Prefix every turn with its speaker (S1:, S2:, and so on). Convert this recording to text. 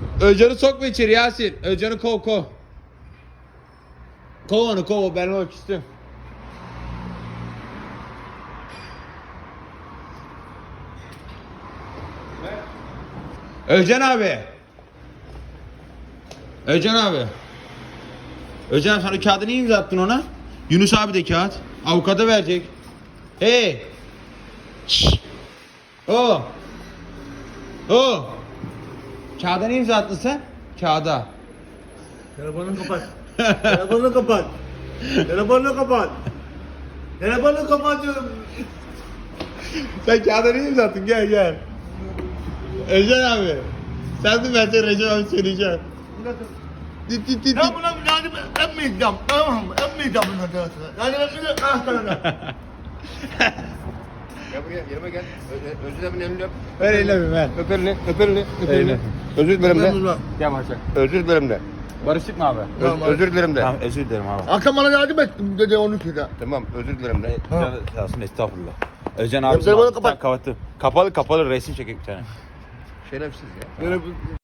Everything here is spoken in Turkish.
S1: Özcan'ı sokma içeri Yasin. Özcan'ı kov. Kov onu kov. Ben o küstüm. Özcan abi. Özcan sana kağıdı niye imza attın ona? Yunus abi de kağıt. Avukata verecek. Hey. Şşş. O. Kağıda niye imza attın sen? Kağıda.
S2: Telefonunu kapat. Telefonunu kapat. Telefonunu kapat. Telefonunu kapat diyorum.
S1: Sen kağıda niye imza attın? Gel. Özcan abi. Sen de ben de Recep abi söyleyeceğim. Dit.
S2: Ya buna yani emmeyeceğim. Tamam mı? Emmeyeceğim buna diyorsun. Yani ben şimdi sana.
S3: Gel buraya, yanıma gel. Özür dilerim elini öp.
S1: Ver elini ver.
S3: Öp elini.
S1: Elini.
S3: Özür dilerim de.
S1: Gel Barışak.
S3: Özür dilerim de.
S1: Barıştık mı abi?
S2: Tamam,
S3: Özür dilerim de.
S1: Tamam özür dilerim abi.
S2: Akşam bana yardım ettim dedi onu söyle.
S3: Tamam, özür dilerim de.
S1: Sağ olsun estağfurullah. Özcan
S2: Ya
S1: abi
S2: telefonu
S1: tamam,
S2: kapat.
S1: kapattım. Kapalı resim çekek bir tane.
S3: Şerefsiz ya.
S2: Böyle